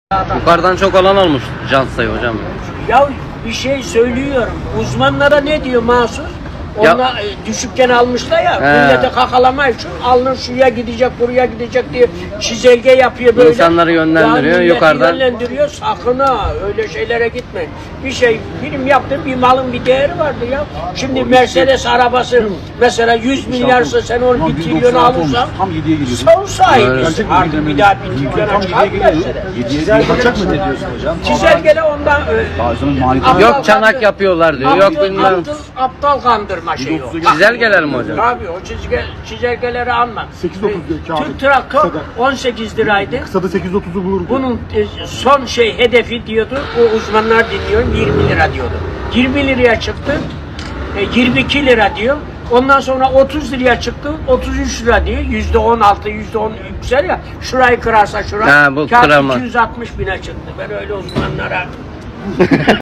Yukarıdan çok olan olmuş can sayı hocam. Ya bir şey söylüyorum. Uzmanlara ne diyor mahsus? Ya- Onlar düşükken almışlar ya. He. Millete kakalamayı şu alnır şuraya gidecek buraya gidecek diye çizelge yapıyor böyle. İnsanları yönlendiriyor, Ya milleti yukarıdan. yönlendiriyor. Sakın ha öyle şeylere gitmeyin. Bir şey film yaptın bir malın bir değeri vardı ya. Şimdi Mercedes arabası mesela 100 milyarsa sen onu 1 trilyon alırsan Tam 7'ye geliyor. son sahibisin. Gerçek mi Artık bilmem bir ne? daha 1 trilyona çıkar mı Mercedes? 7'ye kaçacak mı ne diyorsun hocam? Çizelgele ondan Bazen maliyeti Aptal Yok çanak kandır- yapıyorlar diyor. Yok bilmem. Aptal kandırma şeyi o. Çizelgeler mi hocam? Tabii o çizelgeleri alma. 8.30 diyor kağıdı. Türk Traktör Kısada. 18 liraydı. Kısada 8.30'u bulur. Bunun son hedefi diyordu, o uzmanlar dinliyorum 20 lira diyordu. 20 liraya çıktı, 22 lira diyor. Ondan sonra 30 liraya çıktı, 33 lira diyor. %16, %10 yüksel ya. Şurayı kırarsa şurayı. Ha, bu kağıt kıramaz. 260 bine çıktı. Ben öyle uzmanlara